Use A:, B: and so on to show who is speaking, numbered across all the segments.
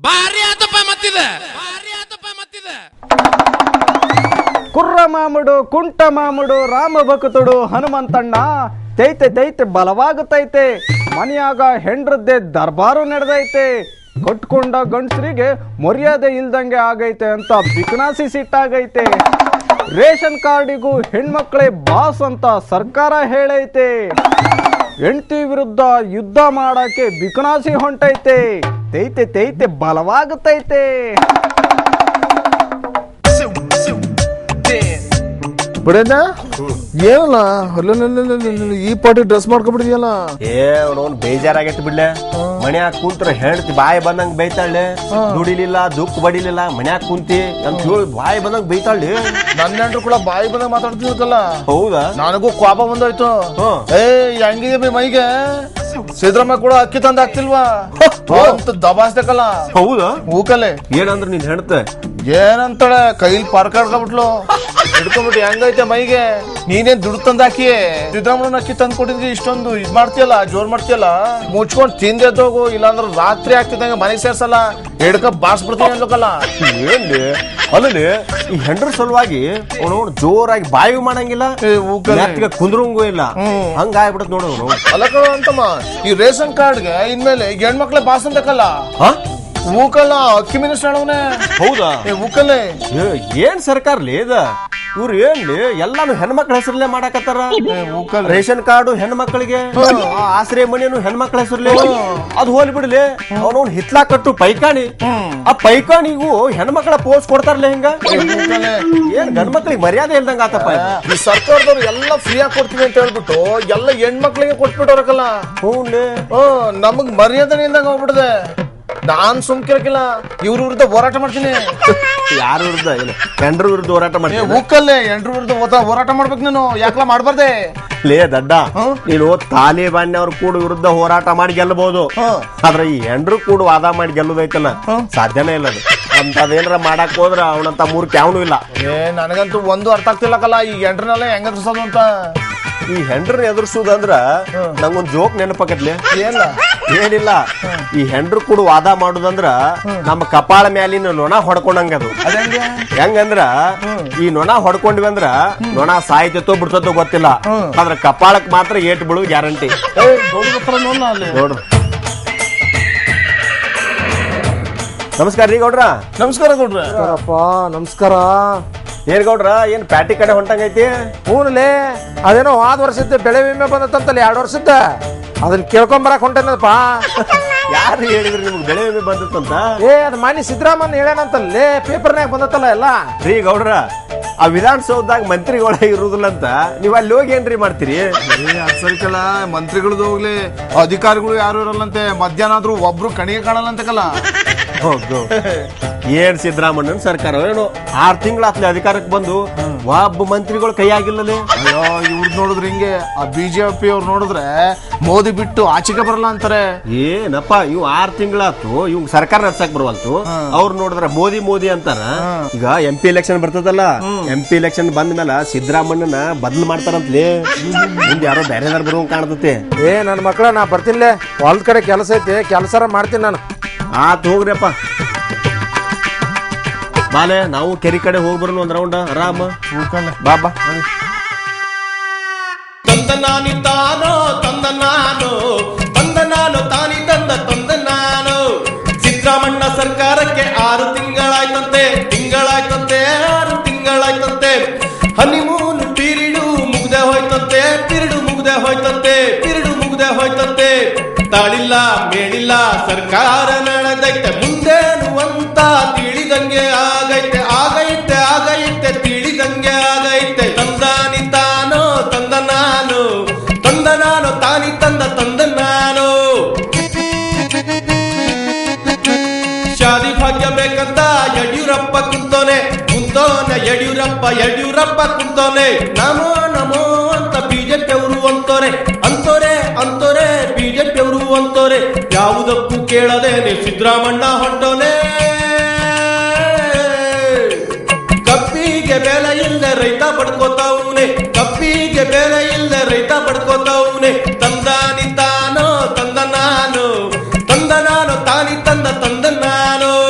A: ಭಾರಿ ಆತಪ್ಪ ಮತ್ತಿದೆ
B: ಕುರ್ರ ಮಾಮುಡು ಕುಂಟ ಮಾಮುಡು ರಾಮ ಭಕ್ತುಡು ಹನುಮಂತಣ್ಣ ತೈತೆ ಬಲವಾಗುತ್ತೈತೆ ಮನೆಯಾಗ ಹೆಂಡ್ರದ್ದೇ ದರ್ಬಾರು ನಡೆದೈತೆ ಕಟ್ಕೊಂಡ ಗಂಡಸರಿಗೆ ಮರ್ಯಾದೆ ಇಲ್ದಂಗೆ ಆಗೈತೆ ಅಂತ ಬಿಕನಾಸಿ ಸಿಟ್ಟಾಗೈತೆ ರೇಷನ್ ಕಾರ್ಡಿಗೂ ಹೆಣ್ಮಕ್ಳೇ ಬಾಸ್ ಅಂತ ಸರ್ಕಾರ ಹೇಳೈತೆ ಹೆಂಡತಿ ವಿರುದ್ಧ ಯುದ್ಧ ಮಾಡಕ್ಕೆ ಬಿಕನಾಸಿ ಹೊಂಟೈತೆ ತೈತೆ ಬಲವಾಗುತ್ತೈತೆ
C: ಬಿಡೇನ ಏನಲ್ಲ ಈ ಪಾಟಿ ಡ್ರೆಸ್ ಮಾಡ್ಕೊಬಿಡಿದ್ಯಲ್ಲ
D: ಅವ್ನು ಬೇಜಾರಾಗೈತಿ ಬಿಡ್ಲೆ ಮನ್ಯಾಗ ಕುಂತ್ರ ಹೆಂಡತಿ ಬಾಯಿ ಬಂದಂಗ್ ಬೈತಾಳೆ ದುಡಿಲಿಲ್ಲ ದುಃಖ ಬಡಿಲಿಲ್ಲ ಮನ್ಯಾಗ ಕುಂತಿ ಅಂತ ಹೇಳಿ ಬಾಯಿ ಬಂದಂಗ್ ಬೈತಾಳೆ
C: ನನ್ನ ಹೆಂಡ್ರು ಕೂಡ ಬಾಯಿ ಬಂದಂಗ್ ಮಾತಾಡ್ತಿರ್ಕಲ್ಲ.
D: ಹೌದಾ?
C: ನನಗೂ ಕೋಪ ಬಂದೋಯ್ತು. ಹೆಂಗಿದೆ ಬಿ ಮೈಗೆ ಸಿದ್ದರಾಮಯ್ಯ ಕೂಡ ಅಕ್ಕಿ ತಂದ ಆಗ್ತಿಲ್ವಾ ಅಂತ ದಬಾಸ್ಬೇಕಲ್ಲ.
D: ಹೌದಾ?
C: ಹೂಕಲೆ
D: ಏನಂದ್ರ ನೀನ್ ಹೆಣ್ತೆ
C: ಏನಂತಾಳೆ ಕೈಲಿ ಪಾರ್ಕಾಡ್ಕೊಬಿಟ್ಲು ಹಿಡ್ಕೊಂಡ್ಬಿಟ್ಟು ಹೆಂಗೈತೆ ಮೈಗೆ. ನೀನೇನ್ ದುಡ್ಡು ತಂದಾಕಿ ಸಿದ್ದರಾಮಯ್ಯನ ಅಕ್ಕಿ ತಂದ್ ಕೊಟ್ಟಿದ್ರಿ ಇಷ್ಟೊಂದು ಇದ್ ಮಾಡ್ತೀಯಲ್ಲ ಜೋರ್ ಮಾಡ್ತೀಯಲ್ಲ ಮುಚ್ಕೊಂಡ್ ತಿಂದೆದ್ದೋಗು ಇಲ್ಲಾಂದ್ರ ರಾತ್ರಿ ಆಗ್ತಿದ್ದಂಗ ಮನೆಗೆ ಸೇರ್ಸಲ್ಲ ಹಿಡ್ಕ ಬಾರ್ಸ್ಬಿಡ್ತೀನಿ ಅನ್ಬೇಕಲ್ಲ.
D: ಏನ್ಲಿ ಅಲ್ಲಿ ಈ ಹೆಂಡ್ರ ಸಲುವಾಗಿ ಅವನು ಜೋರಾಗಿ ಬಾಯಿ ಮಾಡಂಗಿಲ್ಲ ಕುಂದ್ರಂಗೂ ಇಲ್ಲ ಹಂಗ ಆಗ್ಬಿಡತ್ ನೋಡ ಅವನು.
C: ಅಲ್ಲಕ ಅಂತಮ್ಮ ಈ ರೇಷನ್ ಕಾರ್ಡ್ಗೆ ಇನ್ಮೇಲೆ ಹೆಣ್ಮಕ್ಳೇ ಬಾಸ್ ಅಂತಕಲ್ಲ ಹೂಕಲ್ಲ ಅಕ್ಕಿ ಮಿನಿಸ್ಟರ್ ಹೇಳವನೆ.
D: ಹೌದಾ?
C: ಹೂಕಲ್ಲೇ
D: ಏನ್ ಸರ್ಕಾರ್ಲಿ ಇದ ಇವ್ರು ಏನ್ಲಿ ಎಲ್ಲಾನು ಹೆಣ್ಮಕ್ಳ ಹೆಸರಲ್ಲೇ ಮಾಡಾಕತ್ತಾರ. ರೇಷನ್ ಕಾರ್ಡು ಹೆಣ್ಮಕ್ಳಿಗೆ, ಆಶ್ರಯ ಮನೆಯನ್ನು ಹೆಣ್ಮಕ್ಳ ಹೆಸರ್ಲಿ. ಅದು ಹೋಲಿ ಬಿಡ್ಲಿ ಅವನವ್ನ ಹಿತ್ಲಾ ಕಟ್ಟು ಪೈಕಾಣಿ, ಆ ಪೈಕಾಣಿಗೂ ಹೆಣ್ಮಕ್ಳ ಪೋಸ್ಟ್ ಕೊಡ್ತಾರಲ್ಲ ಹಿಂಗ. ಏನ್ ಗಂಡ್ಮಕ್ಳಿಗೆ ಮರ್ಯಾದೆ ಇಲ್ದಂಗ ಆತಪ್ಪ.
C: ಈ ಸರ್ಕಾರದವ್ರು ಎಲ್ಲ ಫ್ರೀ ಆಗಿ ಕೊಡ್ತೀವಿ ಅಂತ ಹೇಳ್ಬಿಟ್ಟು ಎಲ್ಲ ಹೆಣ್ಮಕ್ಳಿಗೆ ಕೊಟ್ಬಿಟ್ಟವ್ರಕಲ್ಲ. ನಮಗ್ ಮರ್ಯಾದೆ ಇಲ್ದಂಗ ಹೋಗ್ಬಿಡದೆ. ನಾನ್ ಸುಮ್ಕಿರಕಿಲ್ಲ ಇವ್ರ ವಿರುದ್ಧ ಹೋರಾಟ ಮಾಡ್ತೀನಿ.
D: ಯಾರ ವಿರುದ್ಧ? ಹೆಂಡ್ರ ವಿರುದ್ಧ ಹೋರಾಟ ಮಾಡ್ತೀನಿ.
C: ಹೂಕಲ್ಲೇ ಹೆಂಡ್ರ ವಿರುದ್ಧ ಹೋರಾಟ ಮಾಡ್ಬೇಕು ನೀನು. ಯಾಕಲ ಮಾಡ್ಬಾರ್ದೆ
D: ಲೇ ದಡ್ಡ, ನೀನು ತಾಲಿಬಾನ್ ಅವ್ರ ಕೂಡ ವಿರುದ್ಧ ಹೋರಾಟ ಮಾಡಿ ಗೆಲ್ಲಬಹುದು, ಆದ್ರೆ ಈ ಹೆಂಡ್ರು ಕೂಡ ವಾದ ಮಾಡಿ ಗೆಲ್ಲುದೈತಲ್ಲ ಸಾಧ್ಯನೇ ಇಲ್ಲ. ಅದು ಅಂತದೇನ್ರ ಮಾಡಕ್ ಹೋದ್ರ ಅವನಂತ ಮೂರ್ಖ ಯಾವನು ಇಲ್ಲ.
C: ನನಗಂತೂ ಒಂದು ಅರ್ಥ ಆಗ್ತಿಲ್ಲಕಲ್ಲ ಈ ಹೆಂಡ್ರನೆಲ್ಲ ಹೆಂಗ ಎದುರ್ಸೋದು ಅಂತ.
D: ಈ ಹೆಂಡ್ರನ್ನ ಎದುರ್ಸುದಂದ್ರ ನಂಗೊಂದ್ ಜೋಕ್ ನೆನಪಾಕತ್ಲಿ. ಏನಿಲ್ಲ, ಈ ಹೆಂಡ್ರು ಕೂಡ ವಾದ ಮಾಡುದಂದ್ರ ನಮ್ಮ ಕಪಾಳ ಮ್ಯಾಲಿನ ನೊಣ ಹೊಡ್ಕೊಂಡಂಗ. ಅದು ಹೆಂಗಂದ್ರ ಈ ನೊಣ ಹೊಡ್ಕೊಂಡ್ವಿ ಅಂದ್ರ ನೊಣ ಸಾಯ್ತೋ ಬಿಡ್ತೋ ಗೊತ್ತಿಲ್ಲ, ಆದ್ರ ಕಪಾಳಕ್ ಮಾತ್ರ ಏಟ್ ಬಿಡು ಗ್ಯಾರಂಟಿ. ನೋಡ್ರಿ. ನಮಸ್ಕಾರ ರೀ ಗೌಡ್ರ.
C: ನಮಸ್ಕಾರ ಗೌಡ್ರ.
B: ನಮಸ್ಕಾರ.
D: ಏನ್ ಗೌಡ್ರ ಏನ್ ಪ್ಯಾಟಿ ಕಡೆ ಹೊಂಟಂಗೈತಿ?
B: ಹೂನ್ಲೇ ಅದೇನೋ ಹೋದ ವರ್ಷದ ಬೆಳೆ ವಿಮೆ ಬಂದತ್ತಂತಲ್ಲ 2 ವರ್ಷದ, ಅದನ್ನ ಕೇಳ್ಕೊಂಬರಕ್ ಹೊಂಟೇನಪ್ಪ.
D: ಯಾರು ಹೇಳಿದ್ರಿ ನಿಮ್ಗೆ ಬೆಳೆ ವಿಮೆ ಬಂದತ್ತಂತ?
B: ಅದ್ ಮಾನ್ಯ ಸಿದ್ದರಾಮಯ್ಯ ಹೇಳೇನಂತಲ್ಲೇ ಪೇಪರ್ನಾಗ ಬಂದತ್ತಲ್ಲ ಎಲ್ಲ.
D: ರೀ ಗೌಡ್ರ, ಆ ವಿಧಾನಸೌಧದಾಗ ಮಂತ್ರಿಗಳ ಇರುದಿಲ್ಲ ಅಂತ ನೀವ್ ಅಲ್ಲಿ ಹೋಗಿ ಏನ್ರಿ ಮಾಡ್ತೀರಿ?
C: ಸರಿಕಲ್ಲ ಮಂತ್ರಿಗಳದ್ದು ಹೋಗ್ಲಿ, ಅಧಿಕಾರಿಗಳು ಯಾರು ಇರಲ್ಲಂತೆ. ಮಧ್ಯಾಹ್ನ ಆದ್ರೂ ಒಬ್ರು ಕಣಿಗೆ ಕಾಣಲ್ಲ ಅಂತಕಲ್ಲ.
D: ಏನ್ ಸಿದ್ದರಾಮಣ್ಣನ ಸರ್ಕಾರ ಏನೋ 6 ತಿಂಗಳಾತ್ಲೆ ಅಧಿಕಾರಕ್ಕೆ ಬಂದು ಒಬ್ಬ ಮಂತ್ರಿಗಳು ಕೈ ಆಗಿಲ್ಲಲೇ.
C: ಅಯ್ಯೋ ಇವ್ರದ್ ನೋಡಿದ್ರೆ ಹಿಂಗೆ, ಆ ಬಿಜೆಪಿ ಅವ್ರು ನೋಡಿದ್ರೆ ಮೋದಿ ಬಿಟ್ಟು ಆಚೆಗೆ ಬರಲ್ಲ ಅಂತಾರೆ.
D: ಏನಪ್ಪ ಇವ್ 6 ತಿಂಗಳಾತು ಇವ್ ಸರ್ಕಾರ ನಡ್ಸಕ್ ಬರವಲ್ತು, ಅವ್ರು ನೋಡಿದ್ರೆ ಮೋದಿ ಅಂತಾರ. ಈಗ MP ಎಲೆಕ್ಷನ್ ಬರ್ತದಲ್ಲ, MP ಎಲೆಕ್ಷನ್ ಬಂದ ಮೇಲೆ ಸಿದ್ದರಾಮಣ್ಣನ ಬದಲು ಮಾಡ್ತಾರಂತ್ಲೇ. ಮುಂದೆ ಯಾರೋ ಬೇರೆದಾರ ಬರುವಂಗ ಕಾಣ್ತತೆ.
B: ನನ್ನ ಮಕ್ಕಳ ನಾ ಬರ್ತೀನಿಲೇ, ಹೊಲ್ದ ಕಡೆ ಕೆಲಸ ಐತಿ, ಕೆಲಸ ಮಾಡ್ತೀನಿ ನಾನು.
D: ಆತ್ ಹೋಗ್ರಿಯಪ್ಪ. ಬಾಲೆ ನಾವು ಕೆರಿ ಕಡೆ ಹೋಗ್ಬರೋಣ ಒಂದ್ ರೌಂಡ್ ಆರಾಮ. ಬಾಬಾ
A: ಸಿದ್ದರಾಮಣ್ಣ ಸರ್ಕಾರಕ್ಕೆ 6 ತಿಂಗಳಾಯ್ತಂತೆ. 6 ತಿಂಗಳಾಯ್ತಂತೆ. ಹನಿಮೂನ್ ಪೀರಿಡು ಮುಗ್ದೆ ಹೋಯ್ತಂತೆ. ತಾಳಿಲ್ಲ ಮೇಳಿಲ್ಲ ಸರ್ಕಾರ ನಡೆದೈತೆ, ಮುಂದೇನು ಅಂತ ತಿಳಿದಂಗೆ ಆಗೈತೆ ತಿಳಿದಂಗೆ ಆಗೈತೆ. ತಂದಾನಿ ತಾನೋ ತಂದ ನಾನು ತಾನಿ ತಂದ ನಾನು. ಶಾದಿ ಭಾಗ್ಯ ಬೇಕಂತ ಯಡಿಯೂರಪ್ಪ ಕುಂತೋನೆ. ಯಡಿಯೂರಪ್ಪ ಕುಂತೋನೆ. ನಮೋ ಅಂತ ಬಿಜೆಪಿ ಅವರು ಅಂತೋರೆ ಬಿಜೆಪಿ ಅವರು ಅಂತೋರೆ. ಯಾವುದಕ್ಕೂ ಕೇಳದೇನೆ ಸಿದ್ದರಾಮಣ್ಣ ಹೊಂಟೋನೆ. ಕಪ್ಪಿಗೆ ಬೆಲೆ ಇಲ್ಲದೆ ರೈತ ಬಡ್ಕೋತಾವ್ನೆ. ತಂದಾನಿ ತಾನೋ ತಂದ ನಾನು ತಾನಿ ತಂದ ನಾನು.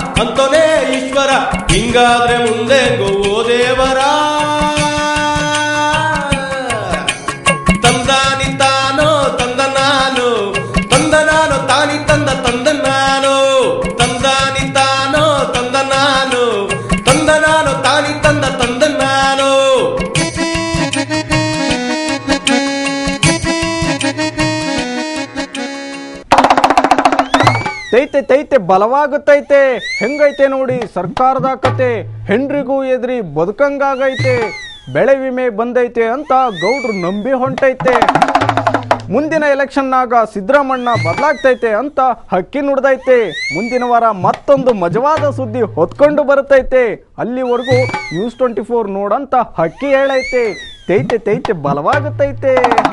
A: ಅಂತೋನೇ ಈಶ್ವರ ಹಿಂಗಾದ್ರೆ ಮುಂದೆ ಗೋವೋ ದೇವರ ತಂದಾನಿ ತಾನೋ ತಂದ ನಾನು ತಾನಿ ತಂದ ನಾನು ತಂದಾನಿ ತಾನೋ ತಂದ ನಾನು ತಾನಿ ತಂದ ನಾನು
E: ತೈತೆ ಬಲವಾಗುತ್ತೈತೆ ಹೆಂಗೈತೆ ನೋಡಿ ಸರ್ಕಾರದ ಕತೆ ಹೆಂಡ್ರಿಗೂ ಎದ್ರಿ ಬದುಕಂಗಾಗೈತೆ ಬೆಳೆ ವಿಮೆ ಬಂದೈತೆ ಅಂತ ಗೌಡ್ರು ನಂಬಿ ಹೊಂಟೈತೆ ಮುಂದಿನ ಎಲೆಕ್ಷನ್ನಾಗ ಸಿದ್ದರಾಮಣ್ಣ ಬದಲಾಗ್ತೈತೆ ಅಂತ ಹಕ್ಕಿ ನುಡ್ದೈತೆ ಮುಂದಿನ ವಾರ ಮತ್ತೊಂದು ಮಜವಾದ ಸುದ್ದಿ ಹೊತ್ಕೊಂಡು ಬರುತ್ತೈತೆ ಅಲ್ಲಿವರೆಗೂ ನ್ಯೂಸ್ 24 ನೋಡಂತ ಹಕ್ಕಿ ಹೇಳೈತೆ ತೈತೆ ಬಲವಾಗುತ್ತೈತೆ.